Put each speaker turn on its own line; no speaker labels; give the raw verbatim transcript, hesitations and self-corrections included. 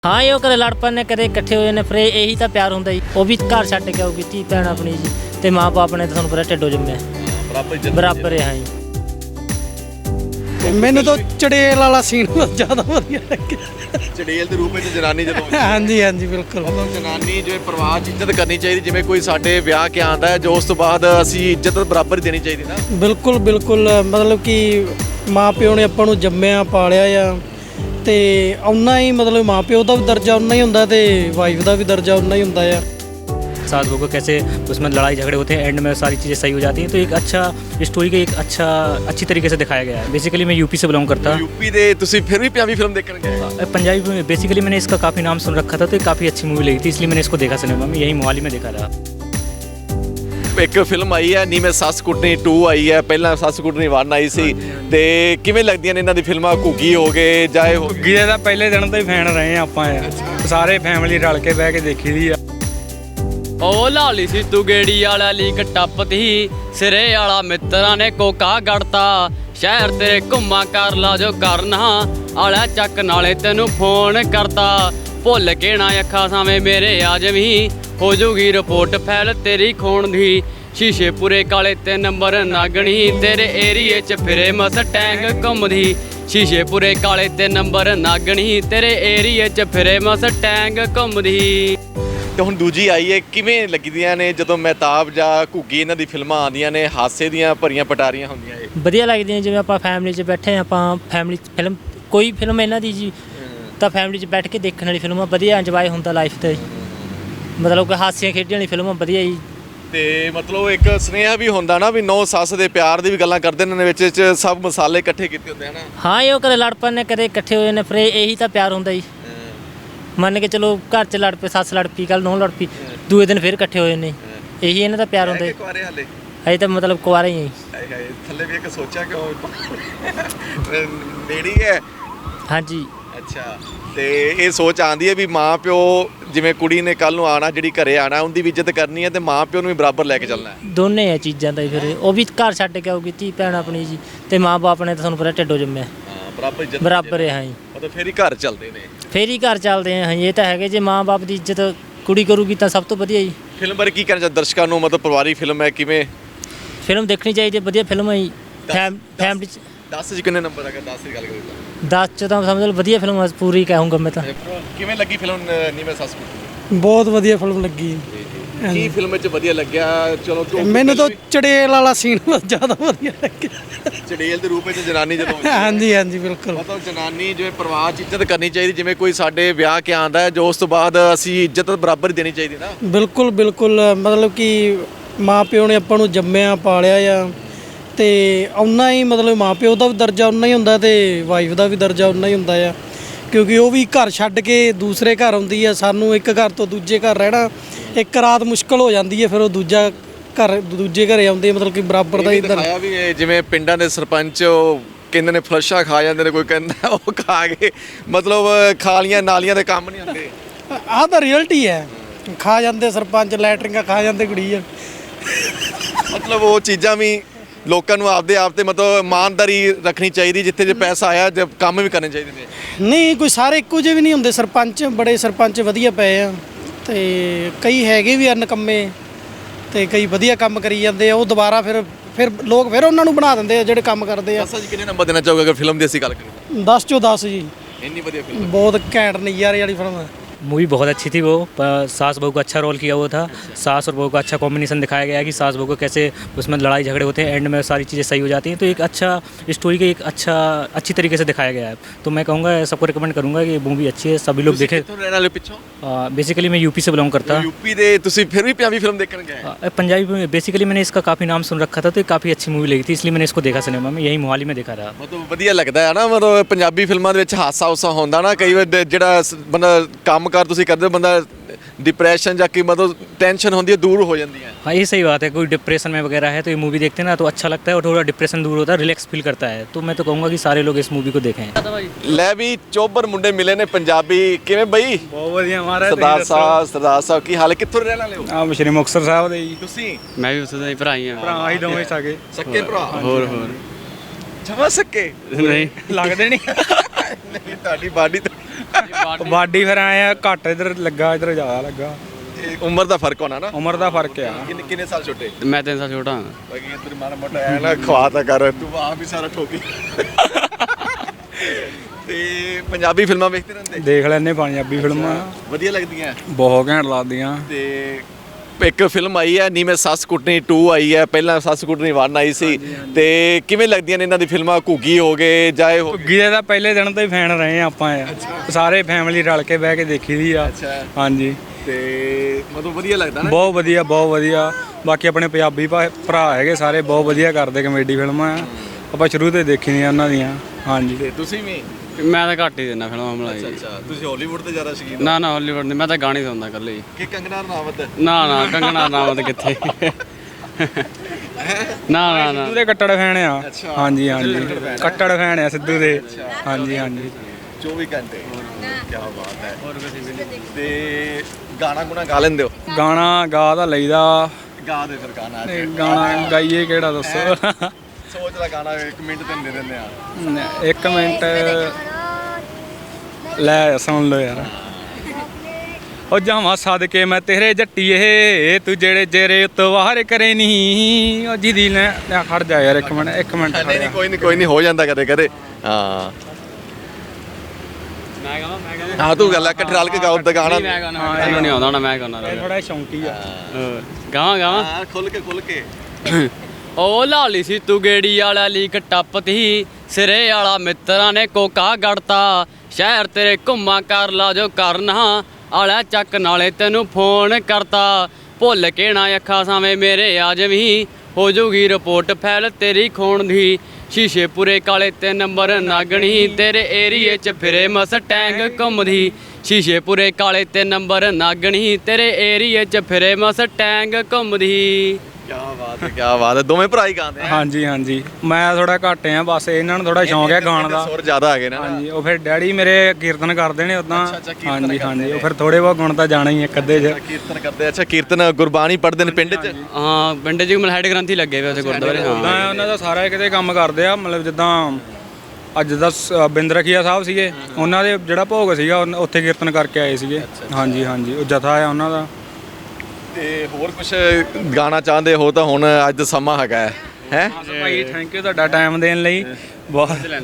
हाँ ये कदे लड़ पने कदे इकट्ठे हो जाने, फिर यही तो प्यार होंदा जी। वो भी घर छड्ड के आऊगी धी भैन अपनी जी, ते माँ बाप ने तो तुहानूं पता ढिड्डों जम्मिया बराबर है। हाँ जी
ਮੈਨੂੰ ਤਾਂ ਚੜੇਲ ਵਾਲਾ ਸੀਨ ਜ਼ਿਆਦਾ ਵਧੀਆ ਲੱਗਿਆ।
ਚੜੇਲ ਦੇ ਰੂਪ ਵਿੱਚ ਜਨਾਨੀ ਜਦੋਂ
ਹਾਂਜੀ ਹਾਂਜੀ ਬਿਲਕੁਲ,
ਮਤਲਬ ਜਨਾਨੀ ਜਿਵੇਂ ਪਰਿਵਾਰ 'ਚ ਇੱਜ਼ਤ ਕਰਨੀ ਚਾਹੀਦੀ, ਜਿਵੇਂ ਕੋਈ ਸਾਡੇ ਵਿਆਹ ਕੇ ਆਉਂਦਾ ਹੈ ਜੋ ਉਸ ਤੋਂ ਬਾਅਦ ਅਸੀਂ ਇੱਜ਼ਤ ਬਰਾਬਰ ਹੀ ਦੇਣੀ ਚਾਹੀਦੀ ਨਾ।
ਬਿਲਕੁਲ ਬਿਲਕੁਲ, ਮਤਲਬ ਕਿ ਮਾਂ ਪਿਓ ਨੇ ਆਪਾਂ ਨੂੰ ਜੰਮਿਆ ਪਾਲਿਆ ਆ, ਤੇ ਉਨਾ ਹੀ ਮਤਲਬ ਮਾਂ ਪਿਓ ਦਾ ਵੀ ਦਰਜਾ ਉਨਾ ਹੀ ਹੁੰਦਾ ਤੇ ਵਾਈਫ ਦਾ ਵੀ ਦਰਜਾ उतना ही ਹੁੰਦਾ ਆ।
सास बहू को कैसे उसमें लड़ाई झगड़े होते हैं, एंड में सारी चीज़ें सही हो जाती हैं। तो एक अच्छा स्टोरी का एक अच्छा अच्छी तरीके से दिखाया गया है। बेसिकली मैं यूपी से बिलोंग करता
यूपी ਦੇ ਤੁਸੀਂ ਫਿਰ ਵੀ ਪੰਜਾਬੀ ਫਿਲਮ ਦੇਖਣ ਗਏ?
पंजाबी में बेसिकली मैंने इसका काफ़ी नाम सुन रखा था, तो काफ़ी अच्छी मूवी लगी थी, इसलिए मैंने इसको देखा सिनेमा में, यही मोहाली में देखा था।
ਇੱਕ ਫਿਲਮ ਆਈ ਹੈ ਨੀ ਮੈਂ ਸੱਸ ਕੁੱਟਣੀ ਟੂ ਆਈ ਹੈ, ਪਹਿਲਾਂ ਸੱਸ ਕੁੱਟਣੀ ਵਨ ਆਈ ਸੀ, ਤੇ ਕਿਵੇਂ ਲੱਗਦੀਆਂ ਨੇ ਇਹਨਾਂ ਦੀ ਫਿਲਮਾਂ? ਘੁੱਗੀ ਹੋ ਗਏ ਜਾਏ ਹੋ
ਘੁੱਗੀ ਦਾ ਪਹਿਲੇ ਦਿਨ ਤੋਂ ਹੀ ਫੈਨ ਰਹੇ ਆ ਆਪਾਂ ਯਾਰ, ਸਾਰੇ ਫੈਮਿਲੀ ਰਲ ਕੇ ਬਹਿ ਕੇ ਦੇਖੀ ਦੀ ਆ।
ਉਹ ਲਾਲੀ ਸੀ ਤੂੰ ਗੇੜੀ ਵਾਲਾ ਲੀਕ ਟੱਪਤੀ, ਸਿਰੇ ਵਾਲਾ ਮਿੱਤਰਾਂ ਨੇ ਕੋਕਾ ਗੜਤਾ, ਸ਼ਹਿਰ ਤੇਰੇ ਘੁੰਮਾ ਕਰ ਲਾ ਜੋ ਕਰਨਾ, ਆਲਾ ਚੱਕ ਨਾਲੇ ਤੈਨੂੰ ਫੋਨ ਕਰਤਾ, ਭੁੱਲ ਕੇ ਨਾ ਅੱਖਾਂ ਸਾਵੇਂ ਮੇਰੇ ਆ ਜਵੀਂ, ਹੋ ਜੂਗੀ ਰਿਪੋਰਟ ਫੈਲ ਤੇਰੀ ਖੋਣ ਦੀ, ਸ਼ੀਸ਼ੇ ਪੂਰੇ ਕਾਲੇ ਤੇ ਨੰਬਰ ਨਾਗਣੀ, ਤੇਰੇ ਏਰੀਏ 'ਚ ਫਿਰੇ ਮਸਟੈਂਗ ਘੁੰਮਦੀ, ਸ਼ੀਸ਼ੇ ਪੂਰੇ ਕਾਲੇ ਤੇ ਨੰਬਰ ਨਾਗਣੀ, ਤੇਰੇ ਏਰੀਏ 'ਚ ਫਿਰੇ ਮਸਟੈਂਗ ਘੁੰਮਦੀ।
ਤੇ ਹੁਣ ਦੂਜੀ ਆਈ ਹੈ, ਕਿਵੇਂ ਲੱਗਦੀਆਂ ਨੇ ਜਦੋਂ ਮਹਿਤਾਬ ਜਾਂ ਘੁੱਗੀ ਇਹਨਾਂ ਦੀ ਫਿਲਮਾਂ ਆਉਂਦੀਆਂ ਨੇ, ਹਾਸੇ ਦੀਆਂ ਭਰੀਆਂ ਪਟਾਰੀਆਂ ਹੁੰਦੀਆਂ ਇਹ?
ਵਧੀਆ ਲੱਗਦੀਆਂ, ਜਿਵੇਂ ਆਪਾਂ ਫੈਮਿਲੀ 'ਚ ਬੈਠੇ ਆਪਾਂ ਫੈਮਿਲੀ ਫਿਲਮ ਕੋਈ ਫਿਲਮ ਇਹਨਾਂ ਦੀ ਜੀ ਤਾਂ ਫੈਮਿਲੀ 'ਚ ਬੈਠ ਕੇ ਦੇਖਣ ਵਾਲੀ ਫਿਲਮਾਂ ਵਧੀਆ, ਇੰਜੋਏ ਹੁੰਦਾ ਲਾਈਫ 'ਤੇ, ਮਤਲਬ ਕਿ ਹਾਸੀਆਂ ਖੇਡੀਆਂ ਵਾਲੀ ਫਿਲਮਾਂ ਵਧੀਆ ਜੀ।
ਤੇ ਮਤਲਬ ਇੱਕ ਸੁਨੇਹਾ ਵੀ ਹੁੰਦਾ ਨਾ ਵੀ ਨੌ ਸੱਸ ਦੇ ਪਿਆਰ ਦੀ ਵੀ ਗੱਲਾਂ ਕਰਦੇ ਨੇ ਵਿੱਚ ਚ, ਸਭ ਮਸਾਲੇ ਇਕੱਠੇ ਕੀਤੇ ਹੁੰਦੇ ਹਨ।
ਹਾਂ ਇਹ ਕਦੇ ਲੜ ਪਨੇ ਕਦੇ ਇਕੱਠੇ ਹੋ ਜਾਣੇ, ਫਿਰ ਇਹੀ ਤਾਂ ਪਿਆਰ ਹੁੰਦਾ ਜੀ। ਮੰਨ ਕੇ ਚਲੋ ਘਰ 'ਚ ਲੜ ਪਏ, ਸੱਸ ਲੜ ਪਈ, ਕੱਲ ਨੌ ਲੜ ਪਈ, ਦੂਏ ਦਿਨ ਫਿਰ ਇਕੱਠੇ ਹੋ ਜਾਂਦੇ, ਇਹੀ ਇਹਨਾਂ ਦਾ ਪਿਆਰ ਹੁੰਦਾ ਜੀ।
ਕੁਆਰੇ ਹਾਲੇ
ਅਜੇ ਤਾਂ ਮਤਲਬ ਕੁਆਰੇ ਹੀ ਆ ਜੀ।
ਥੱਲੇ ਵੀ ਇੱਕ ਸੋਚਿਆ ਕਿ ਨੇੜੀ ਹੈ।
ਹਾਂਜੀ
ਅੱਛਾ, ਤੇ ਇਹ ਸੋਚ ਆਉਂਦੀ ਹੈ ਵੀ ਮਾਂ ਪਿਓ ਜਿਵੇਂ ਕੁੜੀ ਨੇ ਕੱਲ ਨੂੰ ਆਣਾ, ਜਿਹੜੀ ਘਰੇ ਆਣਾ, ਉਹਦੀ ਵੀ ਇੱਜ਼ਤ ਕਰਨੀ ਹੈ ਤੇ ਮਾਂ ਪਿਓ ਨੂੰ ਵੀ ਬਰਾਬਰ ਲੈ ਕੇ ਚੱਲਣਾ ਹੈ।
ਦੋਨੇ ਆ ਚੀਜ਼ਾਂ ਤਾਂ ਫਿਰ ਉਹ ਵੀ ਘਰ ਛੱਡ ਕੇ ਆਊਗੀ ਧੀ ਭੈਣ ਆਪਣੀ ਜੀ, ਤੇ ਮਾਂ ਬਾਪ ਨੇ ਤਾਂ ਤੁਹਾਨੂੰ ਪਤਾ ਢਿੱਡੋਂ ਜੰਮਿਆ
ਬਰਾਬਰ ਇੱਜ਼ਤ
ਬਰਾਬਰ ਹੈ। ਹਾਂ ਜੀ
ਮਤਲਬ ਫਿਰ ਹੀ ਘਰ ਚੱਲਦੇ ਨੇ,
ਫੇਰ ਹੀ ਘਰ ਚੱਲਦੇ ਆ। ਹਾਂ ਇਹ ਤਾਂ ਹੈਗੇ, ਜੇ ਮਾਂ ਬਾਪ ਦੀ ਇੱਜ਼ਤ ਕੁੜੀ ਕਰੂਗੀ ਤਾਂ ਸਭ ਤੋਂ ਵਧੀਆ ਜੀ।
ਫਿਲਮ ਬਾਰੇ ਕੀ ਕਹਿਣਾ ਚਾਹੁੰਦੇ ਦਰਸ਼ਕਾਂ ਨੂੰ? ਮਤਲਬ ਪਰਿਵਾਰਿਕ ਫਿਲਮ ਹੈ, ਕਿਵੇਂ
ਫਿਲਮ ਦੇਖਣੀ ਚਾਹੀਦੀ ਹੈ, ਵਧੀਆ ਫਿਲਮ ਹੈ ਜੀ। ਫੈਮਿਲੀ 'ਚ
ਦਸ 'ਚ ਕਿੰਨੇ ਨੰਬਰ ਹੈਗਾ? ਦਸ ਦੀ ਗੱਲ ਕਰੀਏ
ਦਸ 'ਚ ਤਾਂ ਸਮਝ ਲਓ ਵਧੀਆ ਫਿਲਮ ਪੂਰੀ ਕਹੂੰਗਾ ਮੈਂ ਤਾਂ।
ਕਿਵੇਂ ਲੱਗੀ ਫਿਲਮ ਨੀ ਮੈਂ ਸੱਸ ਕੁੱਟਣੀ?
ਬਹੁਤ ਵਧੀਆ ਫਿਲਮ ਲੱਗੀ।
ਕੀ ਫਿਲਮ ਵਿੱਚ ਵਧੀਆ ਲੱਗਿਆ? ਚਲੋ
ਮੈਨੂੰ ਤਾਂ ਚੜੇਲ ਵਾਲਾ ਸੀਨ ਜ਼ਿਆਦਾ ਵਧੀਆ ਲੱਗਿਆ।
ਚੜੇਲ ਦੇ ਰੂਪ ਵਿੱਚ ਜਨਾਨੀ ਜਦੋਂ
ਹਾਂਜੀ ਹਾਂਜੀ ਬਿਲਕੁਲ,
ਮਤਲਬ ਜਨਾਨੀ ਜਿਵੇਂ ਪਰਿਵਾਰ 'ਚ ਇੱਜ਼ਤ ਕਰਨੀ ਚਾਹੀਦੀ, ਜਿਵੇਂ ਕੋਈ ਸਾਡੇ ਵਿਆਹ ਕੇ ਆਉਂਦਾ ਹੈ ਜੋ ਉਸ ਤੋਂ ਬਾਅਦ ਅਸੀਂ ਇੱਜ਼ਤ ਬਰਾਬਰ ਹੀ ਦੇਣੀ ਚਾਹੀਦੀ ਨਾ।
ਬਿਲਕੁਲ ਬਿਲਕੁਲ, ਮਤਲਬ ਕਿ ਮਾਂ ਪਿਓ ਨੇ ਆਪਾਂ ਨੂੰ ਜੰਮਿਆ ਪਾਲਿਆ ਆ, ਤੇ ਉਨਾ ਹੀ ਮਤਲਬ ਮਾਂ ਪਿਓ ਦਾ ਵੀ ਦਰਜਾ ਉਨਾ ਹੀ ਹੁੰਦਾ ਤੇ ਵਾਈਫ ਦਾ ਵੀ ਦਰਜਾ ਉਨਾ ਹੀ ਹੁੰਦਾ ਆ, ਕਿਉਂਕਿ ਉਹ ਵੀ ਘਰ ਛੱਡ ਕੇ ਦੂਸਰੇ ਘਰ ਆਉਂਦੀ ਆ। ਸਾਨੂੰ ਇੱਕ ਘਰ ਤੋਂ ਦੂਜੇ ਘਰ ਰਹਿਣਾ ਇੱਕ ਰਾਤ ਮੁਸ਼ਕਲ ਹੋ ਜਾਂਦੀ ਹੈ, ਫਿਰ ਉਹ ਦੂਜਾ ਘਰ ਦੂਜੇ ਘਰੇ ਆਉਂਦੇ, ਮਤਲਬ ਕਿ ਬਰਾਬਰ ਦਾ ਇੱਧਰ
ਦਿਖਾਇਆ ਵੀ ਇਹ ਜਿਵੇਂ ਪਿੰਡਾਂ ਦੇ ਸਰਪੰਚ ਉਹ ਕਹਿੰਦੇ ਨੇ ਫਲਸ਼ਾਂ ਖਾ ਜਾਂਦੇ ਨੇ, ਕੋਈ ਕਹਿੰਦਾ ਉਹ ਖਾ ਕੇ ਮਤਲਬ ਖਾਲੀਆਂ ਨਾਲੀਆਂ ਦੇ ਕੰਮ ਨਹੀਂ ਹੁੰਦੇ।
ਆਹ ਤਾਂ ਰਿਅਲਟੀ ਹੈ, ਖਾ ਜਾਂਦੇ ਸਰਪੰਚ, ਲੈਟਰਿੰਗਾਂ ਖਾ ਜਾਂਦੇ ਕੁੜੀ ਆ।
ਮਤਲਬ ਉਹ ਚੀਜ਼ਾਂ ਵੀ ਲੋਕਾਂ ਨੂੰ ਆਪਦੇ ਆਪ ਤੇ ਮਤਲਬ ਇਮਾਨਦਾਰੀ ਰੱਖਣੀ ਚਾਹੀਦੀ, ਜਿੱਥੇ ਜੇ ਪੈਸਾ ਆਇਆ ਜੇ ਕੰਮ ਵੀ ਕਰਨੇ ਚਾਹੀਦੇ ਨੇ।
ਨਹੀਂ ਕੋਈ ਸਾਰੇ ਇੱਕੋ ਜਿਹੇ ਵੀ ਨਹੀਂ ਹੁੰਦੇ, ਸਰਪੰਚ ਬੜੇ ਸਰਪੰਚ ਵਧੀਆ ਪਏ ਆ, ਤੇ ਕਈ ਹੈਗੇ ਵੀ ਅਨਕੰਮੇ, ਤੇ ਕਈ ਵਧੀਆ ਕੰਮ ਕਰੀ ਜਾਂਦੇ ਆ। ਉਹ ਦੁਬਾਰਾ ਫਿਰ ਫਿਰ ਲੋਕ ਫਿਰ ਉਹਨਾਂ ਨੂੰ ਬਣਾ ਦਿੰਦੇ ਆ ਜਿਹੜੇ ਕੰਮ ਕਰਦੇ ਆ।
ਦਸ 'ਚ ਕਿੰਨੇ ਨੰਬਰ ਦੇਣਾ ਚਾਹੋਗੇ ਅਗਰ ਫਿਲਮ ਦੀ ਅਸੀਂ ਗੱਲ ਕਰੀਏ?
ਦਸ ਚੋਂ ਦਸ ਜੀ,
ਇੰਨੀ ਵਧੀਆ ਫਿਲਮ,
ਬਹੁਤ ਘੈਂਟ ਨਜ਼ਾਰੇ ਵਾਲੀ ਫਿਲਮ ਹੈ।
मूवी बहुत अच्छी थी, वो सास बहू का अच्छा रोल किया हुआ था, सास और बहू का अच्छा कॉम्बिनेशन दिखाया गया है कि सास बहू को कैसे उसमें लड़ाई झगड़े होते हैं, एंड में सारी चीज़ें सही हो जाती हैं। तो एक अच्छा स्टोरी का एक अच्छा अच्छी तरीके से दिखाया गया है। तो मैं कहूँगा सबको रिकमेंड करूँगा कि मूवी अच्छी है, सभी लोग देखें।
ਰਹਿਣ ਵਾਲੇ ਪਿੱਛੋਂ?
बेसिकली मैं यूपी से बिलोंग करता।
यूपी ਦੇ ਤੁਸੀਂ ਫਿਰ ਵੀ ਪੰਜਾਬੀ ਫਿਲਮ ਦੇਖਣ ਗਏ?
पंजाबी में बेसिकली मैंने इसका काफ़ी नाम सुन रखा था, तो काफ़ी अच्छी मूवी लगी थी, इसलिए मैंने इसको देखा सिनेमा में, यही मोहाली में देखा था।
ਮਤਲਬ ਵਧੀਆ ਲੱਗਦਾ ਹੈ ਨਾ, ਮਤਲਬ ਪੰਜਾਬੀ ਫਿਲਮਾਂ ਦੇ ਵਿੱਚ ਹਾਸਾ ਹੁਸਾ ਹੁੰਦਾ ਨਾ, ਕਈ ਵਾਰ ਜਿਹੜਾ ਬੰਦਾ ਕੰਮਕਾਰ ਤੁਸੀਂ ਕਰਦੇ ਹੋ, ਬੰਦਾ डिप्रेशन ਜਾਂ कि मतलब टेंशन होती है दूर हो जाती है।
हाँ ये सही बात है, कोई डिप्रेशन में वगैरह है तो ये मूवी देखते हैं ना तो अच्छा लगता है और थोड़ा डिप्रेशन दूर होता है, रिलैक्स फील करता है। तो मैं तो कहूँगा कि सारे लोग इस मूवी को देखें।
ਲੈ ਵੀ ਚੋਬਰ ਮੁੰਡੇ ਮਿਲੇ ਨੇ ਪੰਜਾਬੀ, ਕਿਵੇਂ ਬਈ?
ਬਹੁਤ ਵਧੀਆ ਮਹਾਰਾਜ।
ਸਰਦਾਰ ਸਾਹਿਬ ਸਰਦਾਰ ਸਾਹਿਬ ਕੀ ਹਾਲ ਹੈ? ਕਿੱਥੋਂ ਰਹਿਣ ਵਾਲੇ ਹੋ?
ਆ ਸ਼੍ਰੀ ਮੁਕਤਸਰ ਸਾਹਿਬ ਦੇ ਜੀ।
ਤੁਸੀਂ?
ਮੈਂ ਵੀ ਉੱਥੇ ਦਾ ਹੀ ਭਰਾ ਹੀ ਆ।
ਭਰਾ ਹੀ ਦੋਵੇਂ ਸਾਗੇ
ਸੱਕੇ ਭਰਾ?
ਹੋਰ ਹੋਰ
ਜਮਾ ਸੱਕੇ
ਨਹੀਂ
ਲੱਗਦੇ ਨਹੀਂ।
ਨਹੀਂ ਤੁਹਾਡੀ ਬਾਡੀ
ਬਾਡੀ ਫਿਰ ਆਏ ਆ ਘੱਟ ਇਧਰ ਲੱਗਾ ਇਧਰ ਜ਼ਿਆਦਾ ਲੱਗਾ
ਇਹ ਉਮਰ ਦਾ ਫਰਕ ਹੋਣਾ ਨਾ
ਉਮਰ ਦਾ ਫਰਕ ਆ
ਕਿੰਨੇ ਕਿੰਨੇ ਸਾਲ ਛੋਟੇ
ਮੈਂ ਤਿੰਨ ਸਾਲ ਛੋਟਾ ਹਾਂ
ਬਾਕੀ ਤੇਰੀ ਮਾੜਾ ਮੋਟਾ ਐ ਨਾ ਖਵਾ ਤਾ ਕਰ ਤੂੰ ਆਪ ਵੀ ਸਾਰਾ ਠੋਕੀ ਤੇ ਪੰਜਾਬੀ ਫਿਲਮਾਂ ਵੇਖਦੇ ਰਹਿੰਦੇ
ਦੇਖ ਲੈਨੇ ਪੰਜਾਬੀ ਫਿਲਮਾਂ
ਵਧੀਆ ਲੱਗਦੀਆਂ
ਬਹੁਤ ਘੈਂਟ ਲੱਗਦੀਆਂ
ਤੇ ਇੱਕ ਫਿਲਮ ਆਈ ਹੈ ਨੀ ਮੈਂ ਸੱਸ ਕੁੱਟਣੀ ਟੂ ਆਈ ਹੈ ਪਹਿਲਾਂ ਸੱਸ ਕੁੱਟਣੀ ਵਨ ਆਈ ਸੀ ਤੇ ਕਿਵੇਂ ਲੱਗਦੀਆਂ ਨੇ ਇਹਨਾਂ ਦੀ ਫਿਲਮਾਂ ਘੁੱਗੀ ਹੋ ਗਏ ਜਾਏ ਹੋ
ਘੁੱਗੀ ਦੇ ਤਾਂ ਪਹਿਲੇ ਦਿਨ ਤੋਂ ਹੀ ਫੈਨ ਰਹੇ ਆ ਆਪਾਂ ਸਾਰੇ ਫੈਮਿਲੀ ਰਲ ਕੇ ਬਹਿ ਕੇ ਦੇਖੀ ਦੀ ਆ ਹਾਂਜੀ
ਤੇ ਮਤਲਬ ਵਧੀਆ ਲੱਗਦਾ ਨਾ
ਬਹੁਤ ਵਧੀਆ ਬਹੁਤ ਵਧੀਆ ਬਾਕੀ ਆਪਣੇ ਪੰਜਾਬੀ ਭਾ- ਭਰਾ ਹੈਗੇ ਸਾਰੇ ਬਹੁਤ ਵਧੀਆ ਕਰਦੇ ਕਮੇਡੀ ਫਿਲਮਾਂ ਆ ਆਪਾਂ ਸ਼ੁਰੂ ਤੋਂ ਹੀ ਦੇਖੀ ਦੀਆਂ ਉਹਨਾਂ ਦੀਆਂ ਹਾਂਜੀ
ਤੇ ਤੁਸੀਂ ਵੀ
ਮੈਂ ਤਾਂ ਘੱਟ ਹੀ ਦਿੰਦਾ ਫਿਲਮਾਂ ਬਣਾਈ
ਅੱਛਾ ਤੁਸੀਂ ਹਾਲੀਵੁੱਡ ਤੇ ਜ਼ਿਆਦਾ ਸ਼ੌਕੀਨ
ਨਾ ਨਾ ਹਾਲੀਵੁੱਡ ਨਹੀਂ ਮੈਂ ਤਾਂ ਗਾਣੇ ਸੁਣਦਾ ਇਕੱਲੇ ਹੀ
ਕਿ ਕੰਗਨਾ ਰਣਾਵਤ
ਨਾ ਨਾ ਕੰਗਣਾ ਰਣਾਵਤ ਕਿੱਥੇ ਨਾ ਨਾ ਨਾ
ਸਿੱਧੂ ਦੇ ਕੱਟੜ ਫੈਨ ਆ ਹਾਂਜੀ ਹਾਂਜੀ ਕੱਟੜ ਫੈਨ ਆ ਸਿੱਧੂ ਦੇ ਹਾਂਜੀ ਹਾਂਜੀ
ਚੌਵੀ ਘੰਟੇ ਕੀ ਬਾਤ ਹੈ ਤੇ ਗਾਣਾ ਗੁਣਾ ਗਾ ਲੈਂਦੇ ਹੋ
ਗਾਣਾ ਗਾ ਤਾਂ ਲਈਦਾ
ਗਾ ਦੇ ਫਿਰ ਗਾਣਾ
ਤੇ ਗਾਣਾ ਗਾਈਏ ਕਿਹੜਾ ਦੱਸੋ
ਸੋਚ ਦਾ ਗਾਣਾ ਇੱਕ ਮਿੰਟ ਤੇ ਦੇ ਦਿੰਦੇ ਆ
ਇੱਕ ਮਿੰਟ ਲੈ ਸੁਣ ਲਓ ਯਾਰ ਉਹ ਜਾਵਾਂ ਸਦਕੇ ਮੈਂ ਤੇਰੇ ਜੱਟੀਏ ਤੂੰ ਜਿਹੜੇ ਜੇਰੇ ਉਤਵਾਰ ਕਰੇ ਨਹੀਂ ਉਹ ਜਿਹਦੀ ਲੈ ਲੈ ਖੜ ਜਾ ਯਾਰ ਇੱਕ ਮਿੰਟ ਇੱਕ ਮਿੰਟ ਖੜ
ਨਹੀਂ
ਜਾ
ਨਹੀਂ ਕੋਈ ਨਹੀਂ ਕੋਈ ਨਹੀਂ ਹੋ ਜਾਂਦਾ ਕਦੇ ਕਦੇ ਹਾਂ
ਮੈਂ ਕਹਾਂ ਮੈਂ ਕਹਾਂ
ਹਾਂ ਤੂੰ ਗੱਲ ਆ ਇਕੱਠੇ ਰਲ ਕੇ ਗਾਓ ਤਾਂ ਗਾਣਾ
ਮੈਂ ਗਾਣਾ ਮੈਨੂੰ ਨਹੀਂ ਆਉਂਦਾ ਨਾ ਮੈਂ ਗਾਣਾ
ਥੋੜਾ ਸ਼ੌਂਕੀ ਆ
ਗਾਵਾਂ ਗਾਵਾਂ
ਹਾਂ ਖੁੱਲ ਕੇ ਖੁੱਲ ਕੇ
ਓ ਲਾਲੀ ਸੀ ਤੂੰ ਗੇੜੀ ਵਾਲਾ ਲੀਕ ਟੱਪਤੀ ਸਿਰੇ ਵਾਲਾ ਮਿੱਤਰਾਂ ਨੇ ਕੋਕਾ ਗੜਤਾ ਸ਼ਹਿਰ ਤੇਰੇ ਘੁੰਮਾ ਕਰ ਲਾ ਜੋ ਕਰਨਾ ਆਲਾ ਚੱਕ ਨਾਲੇ ਤੈਨੂੰ ਫੋਨ ਕਰਤਾ ਭੁੱਲ ਕੇ ਨਾ ਅੱਖਾਂ ਸਾਵੇਂ ਮੇਰੇ ਆ ਜਵੀਂ ਹੋ ਜੂਗੀ ਰਿਪੋਰਟ ਫੈਲ ਤੇਰੀ ਖੋਣ ਦੀ ਸ਼ੀਸ਼ੇ ਪੂਰੇ ਕਾਲੇ ਤੇ ਨੰਬਰ ਨਾਗਣੀ ਤੇਰੇ ਏਰੀਏ 'ਚ ਫਿਰੇ ਮਸਟੈਂਗ ਘੁੰਮਦੀ ਸ਼ੀਸ਼ੇ ਪੂਰੇ ਕਾਲੇ ਤੇ ਨੰਬਰ ਨਾਗਣੀ ਤੇਰੇ ਏਰੀਏ 'ਚ ਫਿਰੇ ਮਸਟੈਂਗ ਘੁੰਮਦੀ
ਕੀ ਬਾਤ ਹੈ ਕੀ ਬਾਤ ਹੈ ਦੋਵੇਂ ਭਰਾ ਹੀ ਗਾਉਂਦੇ ਆ
ਹਾਂਜੀ ਹਾਂਜੀ ਮੈਂ ਥੋੜਾ ਘੱਟ ਆ ਬਸ ਇਹਨਾਂ ਨੂੰ ਥੋੜਾ ਸ਼ੌਂਕ ਹੈ ਗਾਣ ਦਾ
ਸੁਰ ਜ਼ਿਆਦਾ ਆ ਗਏ ਨਾ
ਹਾਂਜੀ ਉਹ ਫਿਰ ਡੈਡੀ ਮੇਰੇ ਕੀਰਤਨ ਕਰਦੇ ਨੇ ਉਦਾਂ ਹਾਂਜੀ ਹਾਂਜੀ ਉਹ ਫਿਰ ਥੋੜੇ ਬਹੁਤ ਗੁਣ ਤਾਂ ਜਾਣਾ ਹੀ ਇੱਕ ਅੱਧੇ ਚ
ਕੀਰਤਨ ਕਰਦੇ ਅੱਛਾ ਕੀਰਤਨ ਗੁਰਬਾਣੀ ਪੜ੍ਹਦੇ ਨੇ ਪਿੰਡ 'ਚ
ਹਾਂ ਪਿੰਡ 'ਚ ਮਤਲਬ ਹੈਡ ਗ੍ਰੰਥੀ ਲੱਗੇ ਹੋਏ ਉੱਥੇ ਗੁਰਦੁਆਰੇ ਹਾਂ
ਉਦਾਂ ਉਹਨਾਂ ਦਾ ਸਾਰਾ ਕਿਤੇ ਕੰਮ ਕਰਦੇ ਆ ਮਤਲਬ ਜਿੱਦਾਂ ਅੱਜ ਦਾ ਸ- ਬਿੰਦ ਰਖੀਆ ਸਾਹਿਬ ਸੀਗੇ ਉਹਨਾਂ ਦੇ ਜਿਹੜਾ ਭੋਗ ਸੀਗਾ ਉਹ- ਉੱਥੇ ਕੀਰਤਨ ਕਰਕੇ ਆਏ ਸੀਗੇ ਹਾਂਜੀ ਹਾਂਜੀ ਉਹ ਜਥਾ ਆ ਉਹਨਾਂ ਦਾ
ਤੇ ਹੋਰ ਕੁਝ ਗਾਣਾ ਚਾਹੁੰਦੇ ਹੋ ਤਾਂ ਹੁਣ ਅੱਜ ਦਾ ਸਮਾਂ ਹੈਗਾ ਹੈ ਹੈ
ਭਾਈ ਥੈਂਕ ਯੂ ਤੁਹਾਡਾ ਟਾਈਮ ਦੇਣ ਲਈ ਬਹੁਤ